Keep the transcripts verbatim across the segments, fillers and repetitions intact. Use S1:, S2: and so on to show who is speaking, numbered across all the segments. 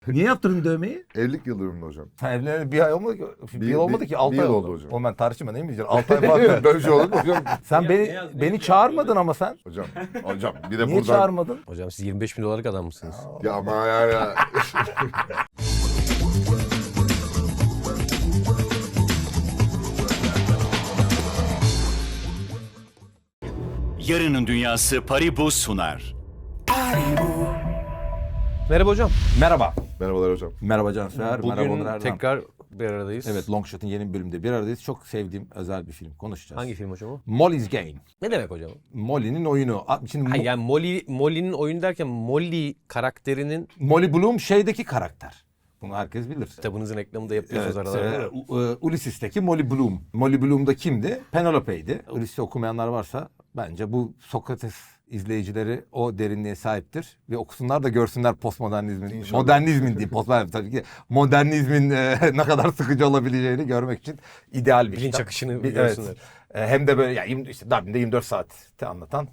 S1: Niye yaptırdın dövmeyi?
S2: Evlilik yıl dönümünde hocam.
S1: Sen evleneli bir ay olmadı ki. Bir,
S2: Bir-
S1: yıl olmadı
S2: bir-
S1: ki. altı
S2: bir
S1: ay
S2: yıl
S1: oldu.
S2: oldu hocam.
S1: Oğlum ben tartışma değil mi diyeceğim? altı ay falan.
S2: Böyle bir şey olur mu hocam?
S1: Sen
S3: Ne
S1: beni
S3: yaz- ne
S1: beni
S3: yaz-
S1: çağırmadın ama sen.
S2: Hocam, hocam bir de
S1: Niye
S2: buradan...
S1: çağırmadın?
S3: Hocam siz yirmi beş bin dolarlık adam mısınız?
S2: Ya ama yani...
S4: Yarının Dünyası Paribu sunar.
S3: Merhaba hocam.
S1: Merhaba.
S2: Merhabalar hocam.
S1: Merhaba Cansever. Merhaba
S3: Bugün
S1: Onur Erdem.
S3: tekrar bir aradayız.
S1: Evet, Longshot'ın yeni bir bölümünde bir aradayız. Çok sevdiğim özel bir film. Konuşacağız.
S3: Hangi film hocam o?
S1: Molly's Game.
S3: Ne demek hocam?
S1: Molly'nin oyunu. A- Şimdi
S3: Ha,
S1: Mo-
S3: yani Molly, Molly'nin oyunu derken Molly karakterinin
S1: Molly Bloom şeydeki karakter. Bunu herkes bilir.
S3: kitabınızın reklamını da yapıyorsunuz
S1: Evet,
S3: aralarda.
S1: e, U- e, Ulysses'teki Molly Bloom. Molly Bloom da kimdi? Penelope'ydi. Ulysses'i okumayanlar varsa bence bu Sokrates izleyicileri o derinliğe sahiptir. Ve okusunlar da görsünler postmodernizmin,
S2: İnşallah.
S1: modernizmin değil, postmodernizm tabii ki modernizmin e, ne kadar sıkıcı olabileceğini görmek için ideal bir
S3: Bilinç
S1: kitap.
S3: akışını
S1: Bir-
S3: görsünler.
S1: Evet. E, Hem de böyle ya yirmi işte Dublin'de yirmi dört saati anlatan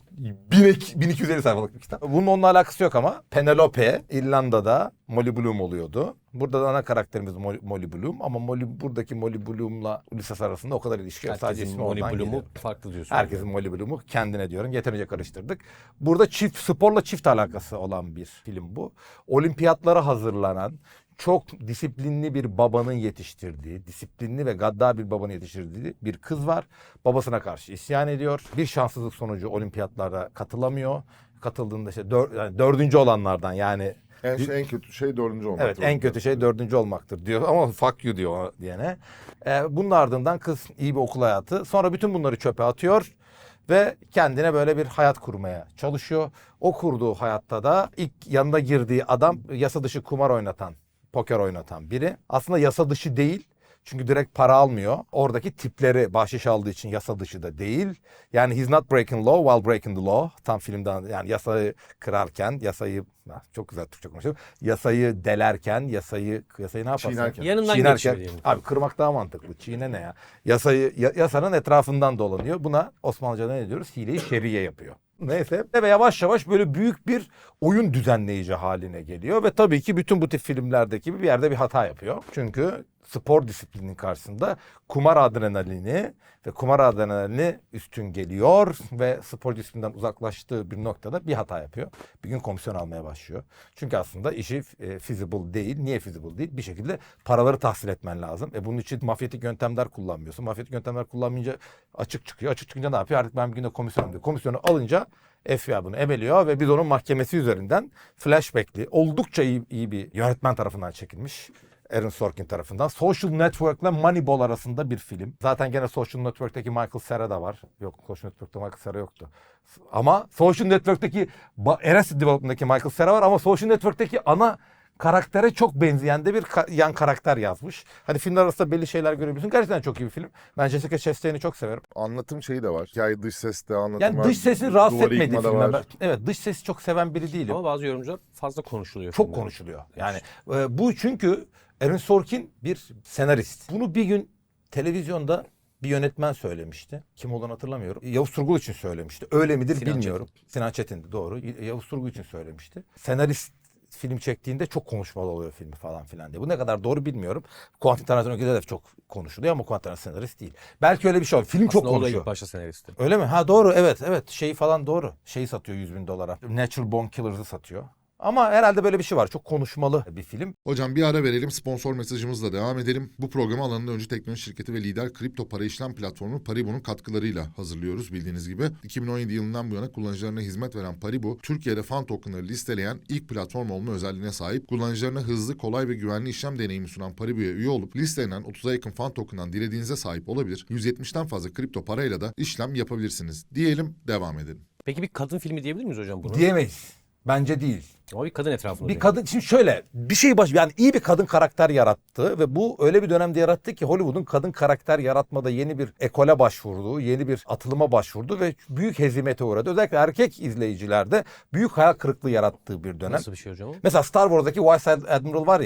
S1: bin iki yüz elli sayfalık bir kitap. Bunun onunla alakası yok ama Penelope İrlanda'da Molly Bloom oluyordu. Burada da ana karakterimiz Molly, Molly Bloom ama Molly buradaki Molly Bloom'la Ulysses arasında o kadar ilişki yok. Sadece
S3: Herkesin
S1: ismi
S3: Molly
S1: oradan
S3: Bloom'u
S1: geliyor.
S3: farklı diyorsun.
S1: Herkesin Molly Bloom'u kendine diyorum. Yeterince karıştırdık. Burada çift sporla çift alakası olan bir film bu. Olimpiyatlara hazırlanan çok disiplinli bir babanın yetiştirdiği, disiplinli ve gaddar bir babanın yetiştirdiği bir kız var. Babasına karşı isyan ediyor. Bir şanssızlık sonucu olimpiyatlara katılamıyor. Katıldığında işte dör, yani dördüncü olanlardan yani
S2: En, şey, en kötü şey dördüncü olmak.
S1: evet en kötü şey dördüncü olmaktır diyor ama fuck you diyor o diyene. Ee, bunun ardından kız iyi bir okul hayatı. Sonra bütün bunları çöpe atıyor ve kendine böyle bir hayat kurmaya çalışıyor. O kurduğu hayatta da ilk yanına girdiği adam yasa dışı kumar oynatan, poker oynatan biri. Aslında yasa dışı değil. Çünkü direkt para almıyor. Oradaki tipleri bahşiş aldığı için yasa dışı da değil. Yani he's not breaking law while breaking the law. Tam filmden yani yasayı kırarken, yasayı çok güzel Türkçe konuşuyorum. Yasayı delerken, yasayı yasayı ne yaparsın?
S2: Çiğnerken.
S3: Yanından
S1: Çiğnerken.
S3: geçiyor diyelim.
S1: Abi kırmak daha mantıklı. Çiğne ne ya? Yasayı ya- yasanın etrafından dolanıyor. Buna Osmanlıca'da ne diyoruz? Hile-i şer'iye yapıyor. Neyse ve yavaş yavaş böyle büyük bir oyun düzenleyici haline geliyor ve tabii ki bütün bu tip filmlerdeki gibi bir yerde bir hata yapıyor. Çünkü spor disiplinin karşısında kumar adrenalini ve kumar adrenalini üstün geliyor ve spor disiplinden uzaklaştığı bir noktada bir hata yapıyor. Bir gün komisyon almaya başlıyor. Çünkü aslında işi e, feasible değil. Niye feasible değil? Bir şekilde paraları tahsil etmen lazım. E bunun için mafyatik yöntemler kullanmıyorsun. Mafyatik yöntemler kullanmayınca açık çıkıyor. Açık çıkınca ne yapıyor? Artık ben bir günde komisyon diyor. Komisyonu alınca F B I bunu emeliyor ve biz onun mahkemesi üzerinden flashbackli, oldukça iyi, iyi bir yönetmen tarafından çekilmiş. Aaron Sorkin tarafından. Social Network ile Moneyball arasında bir film. Zaten gene Social Network'teki Michael Cera da var. Yok, Social Network'te Michael Cera yoktu. Ama Social Network'teki Arrested Development'daki Michael Cera var ama Social Network'teki ana karaktere çok benzeyen de bir ka- yan karakter yazmış. Hani filmler arasında belli şeyler görebiliyorsun. Gerçekten çok iyi bir film. Ben Jessica Chastain'i çok severim.
S2: Anlatım şeyi de var. Hikaye dış ses de anlatım
S1: Yani
S2: var.
S1: dış sesini rahatsız
S2: Duvarı
S1: etmediği
S2: yıkma da
S1: filmler.
S2: var.
S1: Ben- Evet, dış sesi çok seven biri değilim.
S3: Ama bazı yorumcular fazla konuşuluyor.
S1: Çok
S3: filmde.
S1: konuşuluyor. Yani e, bu çünkü Aaron Sorkin bir senarist. Bunu bir gün televizyonda bir yönetmen söylemişti. Kim olduğunu hatırlamıyorum. Yavuz Turgul için söylemişti. Öyle midir
S3: Sinan
S1: bilmiyorum. Sinan Çetin'di doğru. Y- Yavuz Turgul için söylemişti. Senarist film çektiğinde çok konuşmalı oluyor filmi falan filan diye. Bu ne kadar doğru bilmiyorum. Quentin Tarantino'da da çok konuşuluyor ama Quentin Tarantino senarist değil. Belki öyle bir şey var. Film çok
S3: Aslında o da
S1: konuşuyor.
S3: ilk başta senaristi.
S1: Öyle mi? Ha doğru evet evet. Şeyi falan doğru. Şeyi satıyor yüz bin dolara. Natural Born Killers'ı satıyor. Ama herhalde böyle bir şey var. Çok konuşmalı bir film.
S5: Hocam bir ara verelim, sponsor mesajımızla devam edelim. Bu programı alanında öncü teknoloji şirketi ve lider kripto para işlem platformu Paribu'nun katkılarıyla hazırlıyoruz bildiğiniz gibi. iki bin on yedi yılından bu yana kullanıcılarına hizmet veren Paribu, Türkiye'de fan tokenları listeleyen ilk platform olma özelliğine sahip. Kullanıcılarına hızlı, kolay ve güvenli işlem deneyimi sunan Paribu'ya üye olup listelenen otuza yakın fan token'dan dilediğinize sahip olabilir. yüz yetmişten fazla kripto parayla da işlem yapabilirsiniz. Diyelim, devam edelim.
S3: Peki bir kadın filmi diyebilir miyiz hocam bunu?
S1: Diyemeyiz. Bence değil.
S3: Ama bir kadın etrafında.
S1: Bir
S3: dönüyor.
S1: kadın şimdi şöyle bir şey baş yani iyi bir kadın karakter yarattı ve bu öyle bir dönemde yarattı ki Hollywood'un kadın karakter yaratmada yeni bir ekole başvurdu, yeni bir atılıma başvurdu ve büyük hezimete uğradı. Özellikle erkek izleyicilerde büyük hayal kırıklığı yarattığı bir dönem.
S3: Nasıl bir şey hocam o?
S1: Mesela Star Wars'daki White Admiral var ya.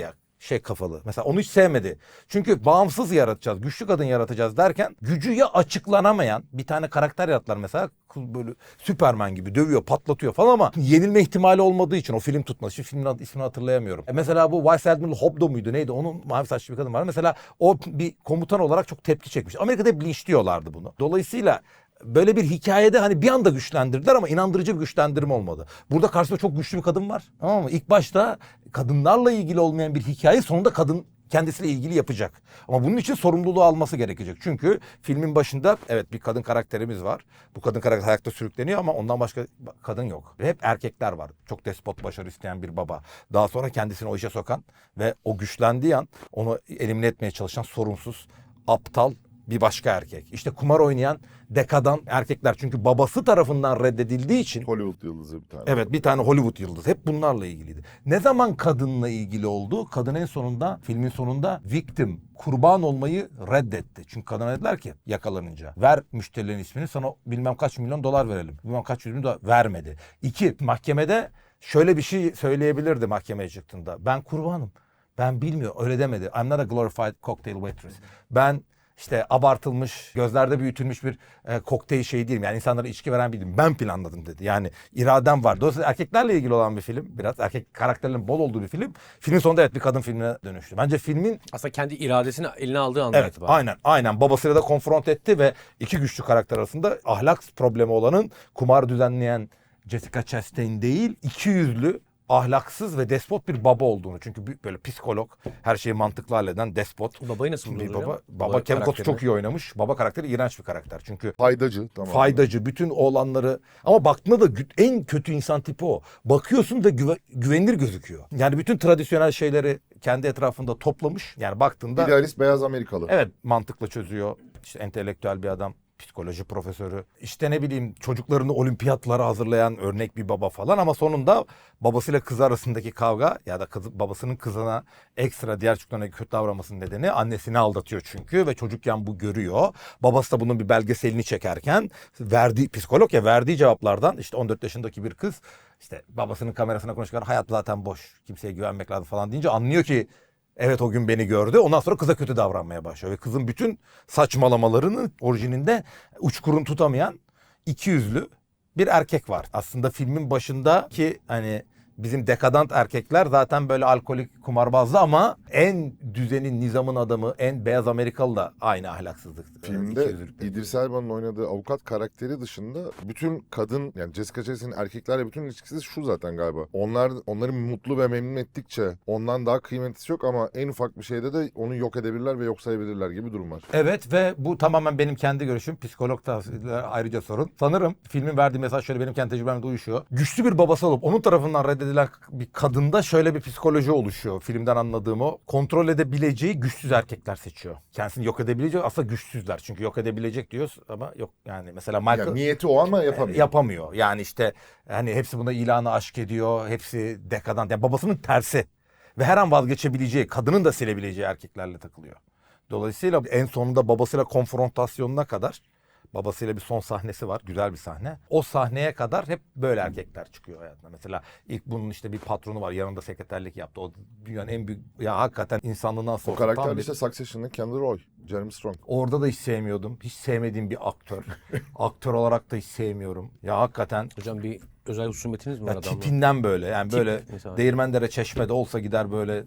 S1: şey kafalı. Mesela onu hiç sevmedi. Çünkü bağımsız yaratacağız, güçlü kadın yaratacağız derken gücü ya açıklanamayan bir tane karakter yarattılar mesela. Böyle Süperman gibi dövüyor, patlatıyor falan ama yenilme ihtimali olmadığı için o film tutmaz. Şimdi filmin adı, ismini hatırlayamıyorum. E mesela bu Vice Admiral Hobdo muydu neydi? Onun mavi saçlı bir kadın var. Mesela o bir komutan olarak çok tepki çekmiş. Amerika'da hep linçliyorlardı bunu. Dolayısıyla böyle bir hikayede hani bir anda güçlendirdiler ama inandırıcı bir güçlendirme olmadı. Burada karşısında çok güçlü bir kadın var. Tamam mı? İlk başta kadınlarla ilgili olmayan bir hikaye sonunda kadın kendisiyle ilgili yapacak. Ama bunun için sorumluluğu alması gerekecek. Çünkü filmin başında evet bir kadın karakterimiz var. Bu kadın karakter ayakta sürükleniyor ama ondan başka kadın yok. Ve hep erkekler var. Çok despot, başarı isteyen bir baba. Daha sonra kendisini o işe sokan ve o güçlendiği an onu elimine etmeye çalışan sorumsuz, aptal bir başka erkek. İşte kumar oynayan dekadan erkekler. Çünkü babası tarafından reddedildiği için.
S2: Hollywood yıldızı bir tane.
S1: Evet, bir tane Hollywood yıldızı. Hep bunlarla ilgiliydi. Ne zaman kadınla ilgili oldu? Kadın en sonunda, filmin sonunda victim, kurban olmayı reddetti. Çünkü kadına dediler ki yakalanınca ver müşterilerin ismini, sana bilmem kaç milyon dolar verelim. Bilmem kaç yüz milyon dolar vermedi. İki, mahkemede şöyle bir şey söyleyebilirdi mahkemeye çıktığında. Ben kurbanım. Ben bilmiyorum. Öyle demedi. I'm not a glorified cocktail waitress. Ben İşte abartılmış, gözlerde büyütülmüş bir e, kokteyl şey değilim. Yani insanlara içki veren değilim. Ben planladım dedi. Yani iradem var. Dolayısıyla erkeklerle ilgili olan bir film. Biraz erkek karakterlerin bol olduğu bir film. Filmin sonunda evet bir kadın filmine dönüştü. Bence filmin...
S3: Aslında kendi iradesini eline aldığı andan
S1: Evet
S3: itibaren.
S1: aynen aynen babasıyla da konfront etti ve iki güçlü karakter arasında ahlak problemi olanın kumar düzenleyen Jessica Chastain değil, iki yüzlü, ahlaksız ve despot bir baba olduğunu. Çünkü bir- böyle psikolog, her şeyi mantıklı halleden despot.
S3: Babayı nasıl
S1: Bir
S3: buldunuz
S1: baba,
S3: hocam?
S1: baba Kevin Costner
S3: karakterini.
S1: çok iyi oynamış. Baba karakteri iğrenç bir karakter. Çünkü
S2: Faydacı. Tamam.
S1: faydacı, bütün oğlanları ama baktığında da gü- en kötü insan tipi o. Bakıyorsun da güve- güvenilir gözüküyor. Yani bütün tradisyonel şeyleri kendi etrafında toplamış. Yani baktığında
S2: İdealist beyaz Amerikalı.
S1: evet mantıkla çözüyor. İşte entelektüel bir adam. Psikoloji profesörü. İşte ne bileyim çocuklarını olimpiyatlara hazırlayan örnek bir baba falan ama sonunda babasıyla kızı arasındaki kavga ya da kız, babasının kızına ekstra diğer çocuklarına kötü davranmasının nedeni annesini aldatıyor çünkü ve çocukken bu görüyor. Babası da bunun bir belgeselini çekerken verdiği psikolog ya verdiği cevaplardan işte on dört yaşındaki bir kız işte babasının kamerasına konuşurken hayat zaten boş, kimseye güvenmek lazım falan deyince anlıyor ki evet o gün beni gördü. Ondan sonra kıza kötü davranmaya başlıyor. Ve kızın bütün saçmalamalarının orijininde uçkurun tutamayan iki yüzlü bir erkek var. Aslında filmin başındaki hani bizim dekadant erkekler zaten böyle alkolik, kumarbazlı ama en düzenin, nizamın adamı, en beyaz Amerikalı da aynı ahlaksızlık.
S2: Filmde
S1: ikiyüzlülükte.
S2: İdris Elba'nın oynadığı avukat karakteri dışında bütün kadın yani Jessica Chastain'in erkeklerle bütün ilişkisi şu zaten galiba. Onlar onları mutlu ve memnun ettikçe ondan daha kıymetlisi yok ama en ufak bir şeyde de onu yok edebilirler ve yok sayabilirler gibi durum var.
S1: Evet ve bu tamamen benim kendi görüşüm. Psikolog tavsiyeler ayrıca sorun. Sanırım filmin verdiği mesaj şöyle benim kendi tecrübemle uyuşuyor. Güçlü bir babası olup onun tarafından reddedilen bir kadında şöyle bir psikoloji oluşuyor. Filmden anladığım o. Kontrol edebileceği güçsüz erkekler seçiyor. Kendisini yok edebileceği aslında güçsüzler. Çünkü yok edebilecek diyoruz ama yok yani. Mesela Michael...
S2: Yani niyeti o ama yapamıyor.
S1: Yapamıyor. Yani işte hani hepsi buna ilanı aşk ediyor. Hepsi dekadant. Yani babasının tersi. Ve her an vazgeçebileceği, kadının da silebileceği erkeklerle takılıyor. Dolayısıyla en sonunda babasıyla konfrontasyonuna kadar babasıyla bir son sahnesi var. Güzel bir sahne. O sahneye kadar hep böyle erkekler çıkıyor hayatına. Mesela ilk bunun işte bir patronu var. Yanında sekreterlik yaptı. O dünyanın en büyük ya hakikaten insanlığından
S2: O
S1: sonra.
S2: karakter
S1: tam
S2: de
S1: bir-
S2: işte Succession'ın Kendall Roy, Jeremy Strong.
S1: Orada da hiç sevmiyordum. Hiç sevmediğim bir aktör. Aktör olarak da hiç sevmiyorum. Ya hakikaten
S3: Hocam bir özel husumetiniz mi var
S1: ya
S3: adamla?
S1: tipinden böyle. Yani
S3: Tip
S1: böyle
S3: mesela.
S1: Değirmendere Çeşme'de olsa gider böyle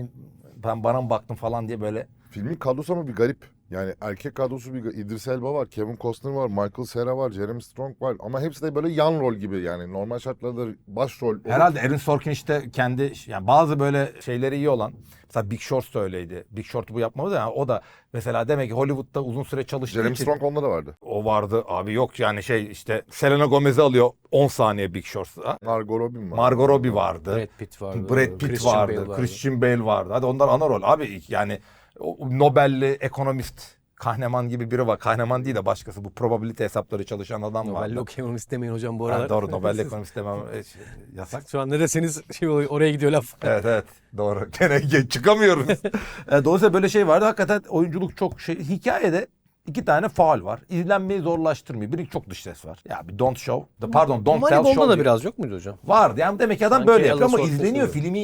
S1: ben bana mı baktım falan diye böyle.
S2: Filmin kadrosu ama bir garip. Yani erkek kadrosu bir İdris Elba var, Kevin Costner var, Michael Cera var, Jeremy Strong var. Ama hepsi de böyle yan rol gibi yani. Normal şartlarda başrol. olup-
S1: Herhalde Aaron Sorkin işte kendi yani bazı böyle şeyleri iyi olan mesela Big Short da öyleydi. Big Short bu yapmadı yani o da mesela demek ki Hollywood'da uzun süre çalıştığı
S2: Jeremy
S1: için
S2: Strong onda da vardı.
S1: o vardı. Abi yok yani şey işte Selena Gomez'i alıyor on saniye Big Short'ta.
S2: Margot Robbie var.
S1: Margot Robbie vardı.
S3: Brad Pitt vardı.
S1: Brad Pitt
S3: Christian
S1: vardı,
S3: Bale vardı.
S1: Christian Bale vardı. Hadi onlar ana rol. Abi yani o Nobel'li ekonomist Kahneman gibi biri var. Kahneman değil de başkası. Bu probabilite hesapları çalışan adam var.
S3: Nobel'li okuyamamız demeyin hocam bu
S1: Ha,
S3: aralar.
S1: doğru Nobel'li ekonomist demem e, şey, yasak.
S3: Şu an ne deseniz şey oluyor, oraya gidiyor laf.
S1: Evet evet doğru. Gene ge- çıkamıyoruz. E, Dolayısıyla böyle şey vardı. Hakikaten oyunculuk çok şey. Hikayede iki tane faal var. İzlenmeyi zorlaştırmıyor. Biri çok dış ses var. Ya bir don't show. Pardon don't tell show.
S3: Moneyball'da da
S1: diye-
S3: biraz yok muydu hocam?
S1: Vardı. Yani demek ki adam
S3: Sanki
S1: böyle yapıyor
S3: Alan
S1: ama
S3: Sorkin
S1: izleniyor.
S3: seviyor.
S1: Film iyi.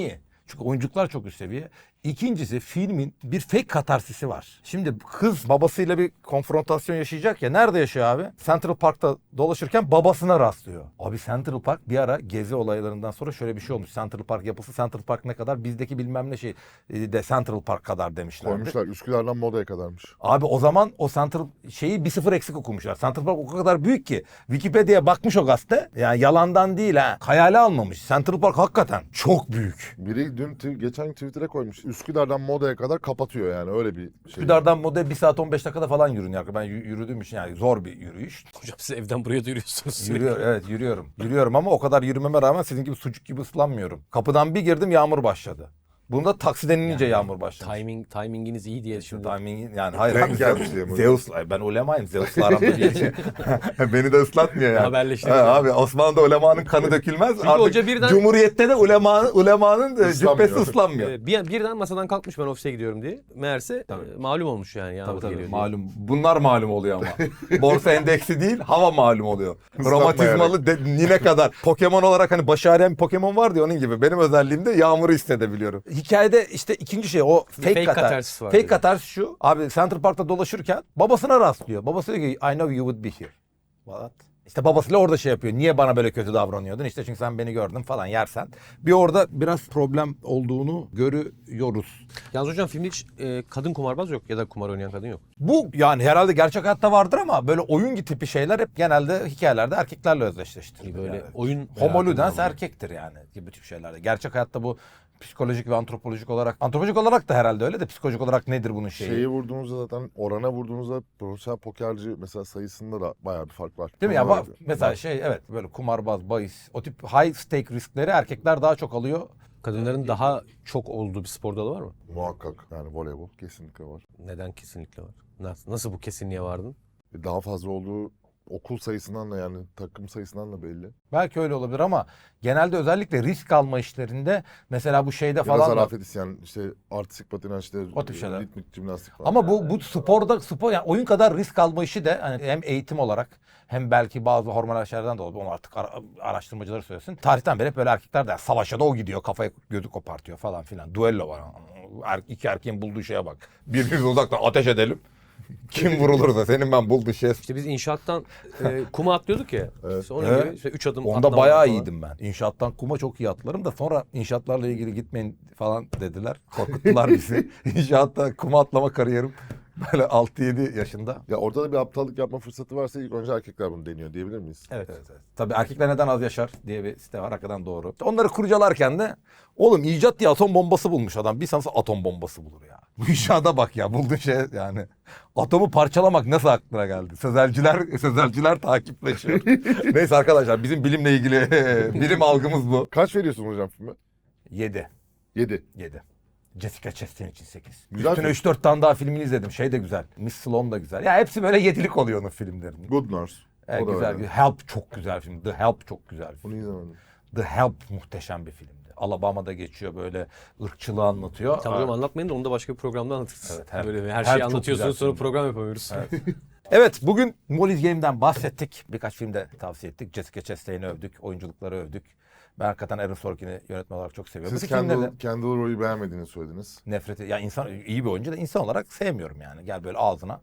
S1: Çünkü oyunculuklar çok üst seviye. İkincisi filmin bir fake katarsisi var. Şimdi kız babasıyla bir konfrontasyon yaşayacak ya. Nerede yaşıyor abi? Central Park'ta dolaşırken babasına rastlıyor. Abi Central Park bir ara gezi olaylarından sonra şöyle bir şey olmuş. Central Park yapısı Central Park ne kadar? Bizdeki bilmem ne şey de Central Park kadar demişlerdi.
S2: Koymuşlar Üsküdar'dan Moda'ya kadarmış.
S1: Abi o zaman o Central şeyi bir sıfır eksik okumuşlar. Central Park o kadar büyük ki Wikipedia'ya bakmış o gazete. Yani yalandan değil ha. Hayale almamış. Central Park hakikaten çok büyük.
S2: Biri dün t- geçen Twitter'a koymuş. Üsküdar'dan Moda'ya kadar kapatıyor yani öyle bir şey.
S1: Üsküdar'dan Moda'ya bir saat on beş dakikada falan yürünüyor. Ben y- yürüdüğüm için yani zor bir yürüyüş.
S3: Hocam siz evden buraya da yürüyorsunuz sürekli.
S1: Yürüyor, evet yürüyorum. Yürüyorum ama o kadar yürümeme rağmen sizin gibi sucuk gibi ıslanmıyorum. Kapıdan bir girdim yağmur başladı. Bunda taksi denilince yağmur başladı.
S3: Timing, timinginiz iyi diye
S1: Şimdi
S3: şimdi.
S1: timing yani hayır
S2: Denk
S1: abi,
S2: gelmiş diye mi?
S1: Zeus ben ulemayım. Zeus'la aramda geçiyor. Beni de ıslatmıyor yani.
S3: Haberleştik.
S1: Ha, abi Osmanlı'da ulemanın kanı dökülmez.
S3: Çünkü
S1: Artık
S3: hoca birden-
S1: Cumhuriyet'te de ulemanın, ulemanın e,
S2: Islanmıyor.
S1: cübbesi ıslanmıyor.
S3: Ee, bir, birden masadan kalkmış ben ofise gidiyorum diye. Meğerse
S1: Tabii.
S3: e, malum olmuş yani. Yağmur
S1: Tabii tabii
S3: geliyor diye.
S1: malum. Bunlar malum oluyor ama. Borsa endeksi değil hava malum oluyor. Romatizmalı de, nine kadar. Pokemon olarak hani başı ağrıyan bir Pokemon var diye onun gibi. Benim özelliğim de yağmuru hissedebiliyorum. Hikayede işte ikinci şey o fake,
S3: fake
S1: katar.
S3: katarsis var
S1: Fake
S3: dedi.
S1: katarsis şu. Abi Central Park'ta dolaşırken babasına rastlıyor. Babası diyor ki I know you would be here. What? İşte babasıyla orada şey yapıyor. Niye bana böyle kötü davranıyordun? İşte çünkü sen beni gördün falan yersen. Bir orada biraz problem olduğunu görüyoruz.
S3: Yalnız hocam filmde hiç e, kadın kumarbaz yok ya da kumar oynayan kadın yok.
S1: Bu yani herhalde gerçek hayatta vardır ama böyle oyun tipi şeyler hep genelde hikayelerde erkeklerle özdeşleştirilir.
S3: Böyle
S1: Yani.
S3: oyun
S1: Homo ludens
S3: merakından
S1: erkektir yani gibi tip şeylerde. Gerçek hayatta bu psikolojik ve antropolojik olarak, antropolojik olarak da herhalde öyle de psikolojik olarak nedir bunun şeyi?
S2: Şeyi vurduğumuzda zaten orana vurduğumuzda profesyonel pokerci mesela sayısında da bayağı bir fark var.
S1: Değil mi ya?
S2: Onlar-
S1: Bak, mesela şey evet böyle kumarbaz, bahis, o tip high stake riskleri erkekler daha çok alıyor.
S3: Kadınların daha çok olduğu bir spor dalı var mı?
S2: Muhakkak yani voleybol kesinlikle var.
S3: Neden kesinlikle var? Nasıl, nasıl bu kesinliğe vardın?
S2: Daha fazla olduğu okul sayısından da yani takım sayısından da belli.
S1: Belki öyle olabilir ama genelde özellikle risk alma işlerinde mesela bu şeyde
S2: Ya da
S1: falan da-
S2: zarafet isyan işte artistik patinaj işte
S1: O tip şeyler.
S2: ritmik jimnastik falan.
S1: ama bu bu sporda spor yani oyun kadar risk alma işi de hani hem eğitim olarak hem belki bazı hormonal şeylerden dolayı onu artık ara- araştırmacılar söylesin. Tarihten beri hep böyle erkekler de yani savaşa da o gidiyor kafayı gözü kopartıyor falan filan. Duello var. Er, iki erkeğin bulduğu şeye bak. Birbirimizi uzaktan ateş edelim. Kim vurulursa senin ben bulduğu şey.
S3: İşte biz inşaattan e, kuma atlıyorduk ya.
S2: Evet.
S3: İşte onun
S1: Evet.
S3: gibi işte üç adım
S1: Onda
S3: atlama
S1: bayağı
S3: falan.
S1: iyiydim ben. İnşaattan kuma çok iyi atlarım da sonra inşaatlarla ilgili gitmeyin falan dediler. Korkuttular bizi. İnşaatta kuma atlama kariyerim böyle altı yedi yaşında.
S2: Ya orada da bir aptallık yapma fırsatı varsa ilk önce erkekler bunu deniyor diyebilir miyiz?
S1: Evet. evet, evet. Tabii erkekler neden az yaşar diye bir site var. Hakikaten doğru. Onları kurcalarken de oğlum icat diye atom bombası bulmuş adam. Bir sansa atom bombası bulur ya. Bu inşaata bak ya. Bulduğun şey yani. Atomu parçalamak nasıl aklına geldi? Sözelciler, sözelciler takipleşiyor. Neyse arkadaşlar bizim bilimle ilgili bilim algımız bu.
S2: Kaç veriyorsun hocam filme?
S1: Yedi.
S2: yedi.
S1: Yedi. Jessica Chastain için sekiz.
S2: Güzel
S1: Üstüne
S2: film.
S1: üç dört tane daha filmini izledim. Şey de güzel. Miss Sloan da güzel. Ya hepsi böyle yedilik oluyor onun filmlerinin.
S2: Good Nurse.
S1: Evet,
S2: O da
S1: güzel.
S2: öyle.
S1: Help çok güzel film. The Help çok güzel film.
S2: Bunu izlemedim.
S1: The Help muhteşem bir filmdi. Alabama'da geçiyor böyle ırkçılığı anlatıyor.
S3: Tamam hocam
S1: Aa,
S3: anlatmayın da onu da başka bir programda anlatırız.
S1: Evet, her-
S3: Böyle her
S1: her
S3: şeyi
S1: çok
S3: anlatıyorsunuz
S1: güzel
S3: sonra
S1: film.
S3: program yapamıyoruz.
S1: Evet bugün Molly's Game'den bahsettik. Birkaç filmde tavsiye ettik. Jessica Chastain'i övdük. Oyunculukları övdük. Ben hakikaten Aaron Sorkin'i yönetmen olarak çok seviyorum.
S2: Siz
S1: Bu filmleri de
S2: Kendall, Kendall Roy'u beğenmediğini söylediniz.
S1: nefreti ya insan iyi bir oyuncu da insan olarak sevmiyorum yani. Gel böyle ağzına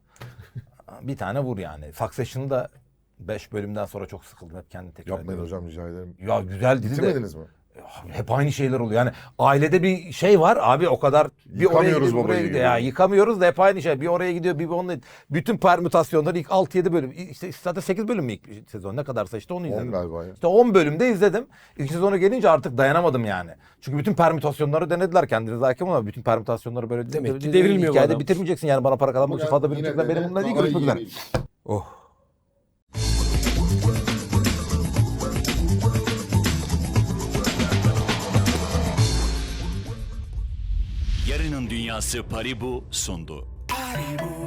S1: bir tane vur yani. Succession'ı da beş bölümden sonra çok sıkıldım. Hep kendini tekrar
S2: Yapmayın
S1: ediyorum.
S2: hocam rica ederim.
S1: Ya güzel dizi de.
S2: Bitirmediniz mi?
S1: Hep aynı şeyler oluyor. Yani ailede bir şey var abi o kadar bir oraya
S2: Yıkamıyoruz
S1: gidiyor, buraya
S2: babayı
S1: gidiyor.
S2: gibi.
S1: Ya yıkamıyoruz da hep aynı şey. Bir oraya gidiyor, bir onunla. Bütün permütasyonları ilk altı yedi bölüm. İşte zaten sekiz bölüm mü ilk sezon ne kadarsa işte onu izledim.
S2: on galiba ya.
S1: İşte on bölümde izledim. İlk sezonu gelince artık dayanamadım yani. Çünkü bütün permütasyonları denediler kendinize hakim ama bütün permütasyonları böyle
S3: Demek ki devrilmiyor bu
S1: hikayede
S3: adam.
S1: bitirmeyeceksin yani bana para kazanmak için fazla bölüm benim bununla değil görüşmek üzere. Oh.
S4: Yarının Dünyası Paribu sundu.
S6: Paribu,